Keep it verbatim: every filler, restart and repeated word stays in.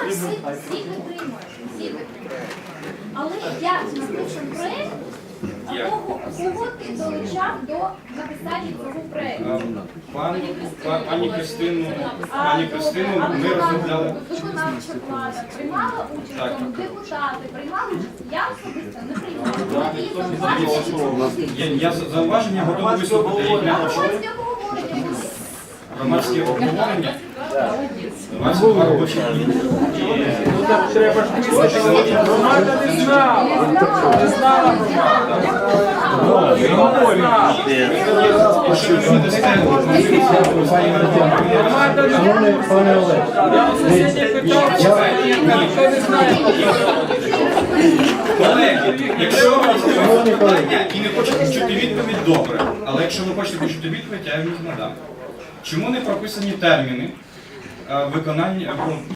всі, всі підтримують, всі підтримують. Але як написан проєкт, кого, кого ти долучав до написання цього проєкту? Пані, пані Кристину, А, пані добре, Кристину а ми виконавча- розмовляли. Виконавча влада приймала участь, Так. в цьому? Депутати приймали участь, я особисто не приймала. Мої зауваження Я, я за- зауваження готовий вислухати. Я не хочу. громадське обговорення були. Громадське обговорення. двадцять два робочі дні. Треба ж громада не знала. Не знала громада. Якщо ви не дасте Громада не Шановний пане Олег, Я у сусідів питав, ніхто не знає. колеги, якщо ви хочете питання і не хочете почути відповідь, добре. Але якщо ви хочете почути відповідь, я їм їх надам. Чому не прописані терміни е, виконання?